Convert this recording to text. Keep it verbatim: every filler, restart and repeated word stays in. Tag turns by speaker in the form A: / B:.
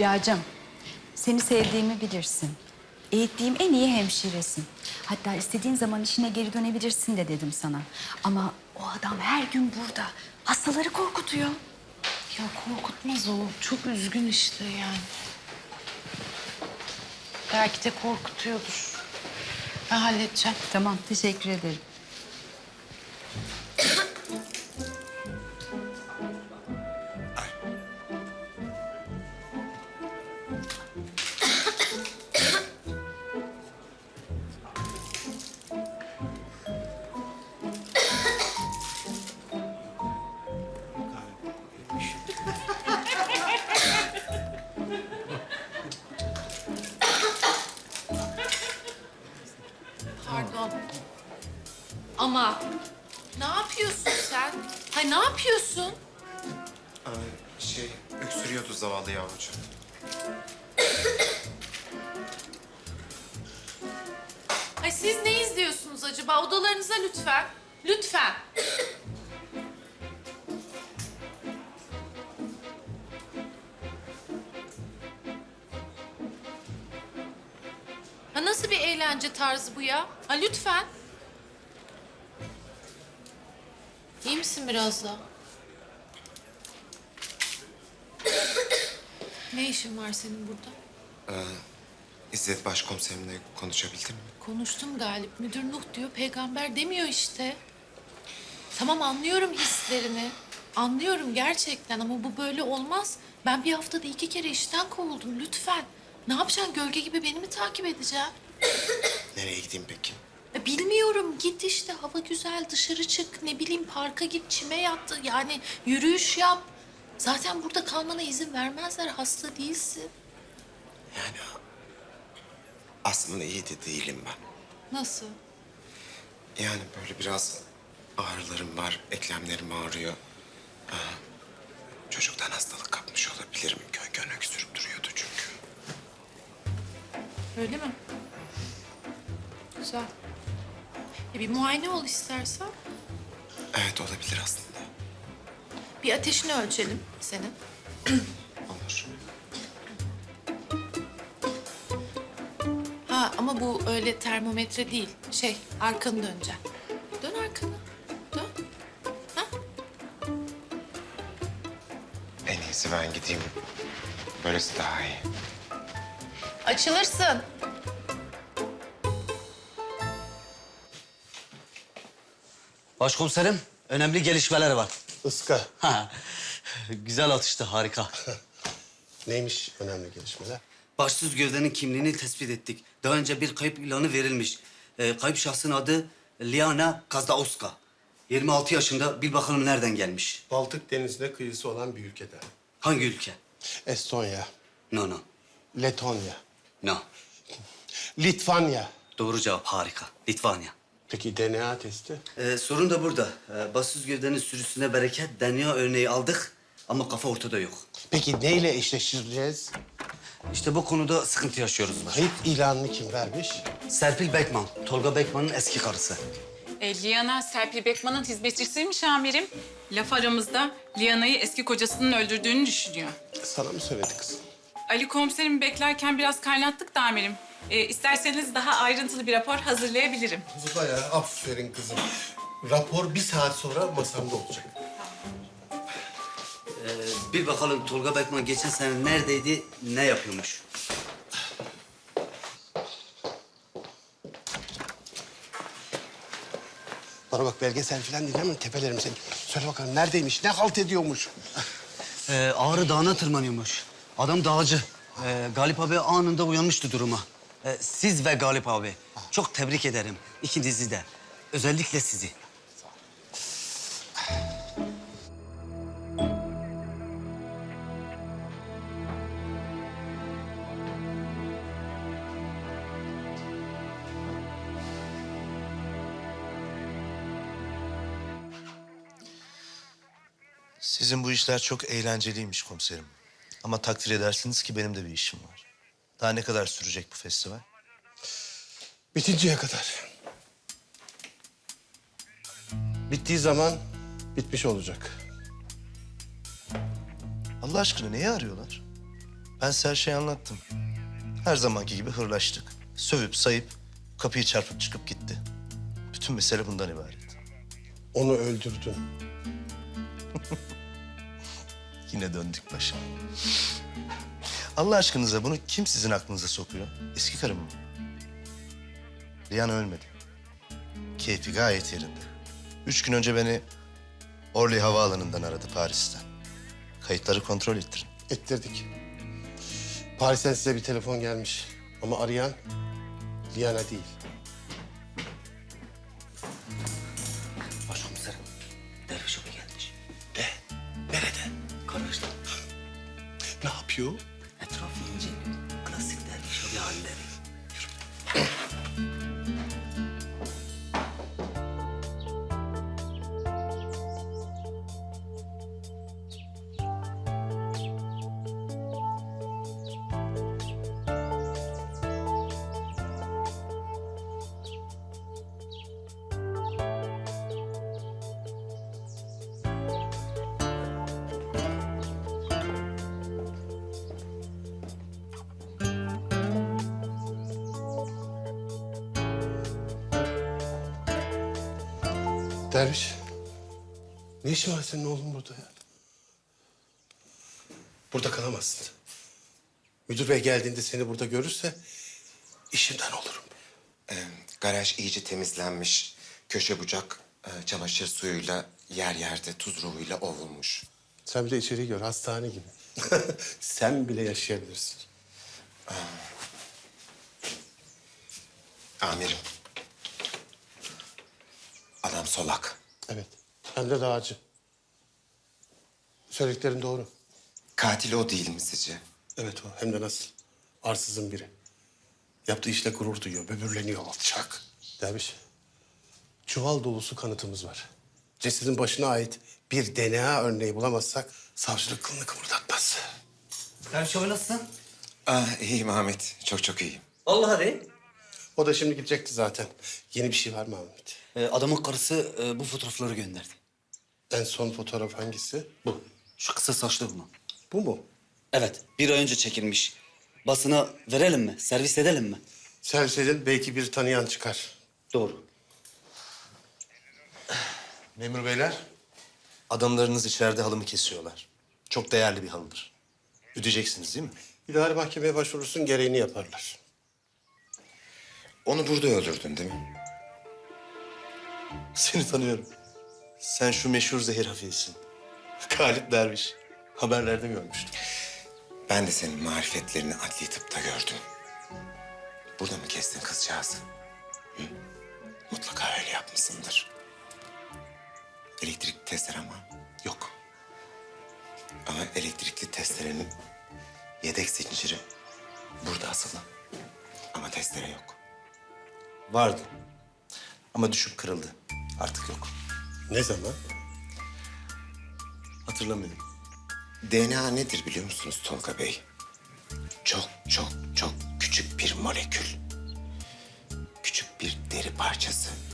A: Hülya'cığım, seni sevdiğimi bilirsin. Eğittiğim en iyi hemşiresin. Hatta istediğin zaman işine geri dönebilirsin de dedim sana. Ama o adam her gün burada. Hastaları korkutuyor.
B: Ya korkutmaz o. Çok üzgün işte yani. Belki de korkutuyordur. Ben halledeceğim.
A: Tamam, teşekkür ederim.
B: Pardon. Ama ne yapıyorsun sen? Hay ne yapıyorsun?
C: Ay, şey, öksürüyordu zavallı yavrucuğum.
B: Ay siz ne izliyorsunuz acaba? Odalarınıza lütfen. Lütfen. Ha nasıl bir eğlence tarzı bu ya? Ha lütfen. İyi misin biraz daha? Ne işin var senin burada?
C: İzzet Başkomiserimle konuşabildin mi?
B: Konuştum Galip. Müdür Nuh diyor, peygamber demiyor işte. Tamam anlıyorum hislerini. Anlıyorum gerçekten ama bu böyle olmaz. Ben bir haftada iki kere işten kovuldum lütfen. Ne yapacaksın? Gölge gibi beni mi takip edeceksin?
C: Nereye gideyim peki?
B: Ya bilmiyorum. Git işte. Hava güzel. Dışarı çık. Ne bileyim parka git. Çime yat. Yani yürüyüş yap. Zaten burada kalmana izin vermezler. Hasta değilsin.
C: Yani aslında iyi de değilim ben.
B: Nasıl?
C: Yani böyle biraz ağrılarım var, eklemlerim ağrıyor. Aa, çocuktan hastalık kapmış olabilirim. Gön gön öksürüp duruyordu çünkü.
B: Öyle mi? Güzel. E bir muayene ol istersen.
C: Evet olabilir aslında.
B: Bir ateşini ölçelim senin.
C: Olur.
B: Ha ama bu öyle termometre değil. Şey arkanı döneceksin. Dön arkanı. Dön. Ha?
C: En iyisi ben gideyim. Böylesi daha iyi.
B: Açılırsın.
D: Başkomiserim, önemli gelişmeler var.
E: Iska.
D: Ha, güzel atıştı, harika.
E: Neymiş önemli gelişmeler?
D: Başsız gövdenin kimliğini tespit ettik. Daha önce bir kayıp ilanı verilmiş. Ee, kayıp şahsın adı Liana Kazdaoska. yirmi altı yaşında, bil bakalım nereden gelmiş.
E: Baltık Denizi'ne kıyısı olan bir ülkeden.
D: Hangi ülke?
E: Estonya,
D: No, no,
E: Letonya,
D: no.
E: Litvanya.
D: Doğru cevap, harika. Litvanya.
E: Peki D N A testi?
D: Ee, sorun da burada. Ee, başsız gövdenin sürüsüne bereket D N A örneği aldık ama kafa ortada yok.
E: Peki neyle eşleştireceğiz?
D: İşte bu konuda sıkıntı yaşıyoruz.
E: Kayıp ilanını kim vermiş?
D: Serpil Bekman, Tolga Bekman'ın eski karısı.
F: E, Liana Serpil Bekman'ın hizmetçisiymiş amirim. Laf aramızda Liana'yı eski kocasının öldürdüğünü düşünüyor.
E: Sana mı söyledi kızım?
F: Ali komiserimi beklerken biraz kaynattık da amirim. E, isterseniz daha ayrıntılı bir rapor hazırlayabilirim.
E: Zuba ya, aferin kızım. Rapor bir saat sonra masamda olacak.
D: Ee, bir bakalım Tolga Bekman geçen sene neredeydi, ne yapıyormuş?
E: Bana bak belgesel falan dinleme, tepelerim seni. Söyle bakalım neredeymiş, ne halt ediyormuş?
D: Ee, Ağrı Dağı'na tırmanıyormuş. Adam dağcı. Ee, Galip abi anında uyanmıştı duruma. Ee, siz ve Galip abi çok tebrik ederim. İkinizi de. Özellikle sizi.
G: Sizin bu işler çok eğlenceliymiş komiserim. Ama takdir edersiniz ki benim de bir işim var. Daha ne kadar sürecek bu festival?
E: Bitinceye kadar. Bittiği zaman bitmiş olacak.
G: Allah aşkına neyi arıyorlar? Ben size her şeyi anlattım. Her zamanki gibi hırlaştık. Sövüp sayıp kapıyı çarpıp çıkıp gitti. Bütün mesele bundan ibaret.
E: Onu öldürdün.
G: Yine döndük başa. Allah aşkınıza bunu kim sizin aklınıza sokuyor? Eski karım mı? Liana ölmedi. Keyfi gayet yerinde. Üç gün önce beni Orly Havaalanı'ndan aradı Paris'ten. Kayıtları kontrol ettirin.
E: Ettirdik. Paris'ten size bir telefon gelmiş. Ama arayan Liana değil.
D: Başkomiserim, derviş abi gelmiş.
E: Ne? Nerede?
D: Kardeşler,
E: Ne yapıyor?
D: etrafı inceliyor. Klasik derviş abi halleri.
E: Derviş. Ne işin var senin oğlum burada ya? Burada kalamazsın. Müdür bey geldiğinde seni burada görürse işimden olurum.
C: Ee, garaj iyice temizlenmiş. Köşe bucak e, çamaşır suyuyla yer yerde tuz ruhuyla ovulmuş.
E: Sen bir de içeriği gör, hastane gibi. Sen bile yaşayabilirsin.
C: Amirim. Adam solak.
E: Evet, hem de dağcı. Söylediklerin doğru.
C: Katil o değil mi sizce?
E: Evet o, hem de nasıl? Arsızın biri. Yaptığı işle gurur duyuyor, böbürleniyor, alçak. Derviş, çuval dolusu kanıtımız var. Cesedin başına ait bir D N A örneği bulamazsak savcılık kılını kımıldatmaz.
D: Derviş abi nasılsın?
C: Ah, iyiyim Ahmet. Çok çok iyiyim.
D: Vallahi de.
E: O da şimdi gidecekti zaten. Yeni bir şey var mı Ahmet?
D: Ee, adamın karısı e, bu fotoğrafları gönderdi.
E: En son fotoğraf hangisi?
D: Bu. Şu kısa saçlı bunun.
E: Bu mu?
D: Evet, bir ay önce çekilmiş. Basına verelim mi? Servis edelim mi?
E: Servis edin, belki bir tanıyan çıkar.
D: Doğru.
G: Memur beyler, adamlarınız içeride halımı kesiyorlar. Çok değerli bir halıdır. Ödeyeceksiniz değil mi?
E: İdari mahkemeye başvurursun, gereğini yaparlar.
C: Onu burada öldürdün değil mi?
G: Seni tanıyorum. Sen şu meşhur zehir hafifsin. Galip Derviş. Haberlerde görmüştüm.
C: Ben de senin marifetlerini adli tıpta gördüm. Burada mı kestin kızcağızı? Hı? Mutlaka öyle yapmışsındır. Elektrik testere ama yok. Ama elektrikli testerenin yedek zinciri burada asılı. Ama testere yok.
G: Vardı. Ama düşüp kırıldı. Artık yok.
E: Ne zaman?
G: Hatırlamıyorum.
C: D N A nedir biliyor musunuz Tolga Bey? Çok çok çok küçük bir molekül. Küçük bir deri parçası.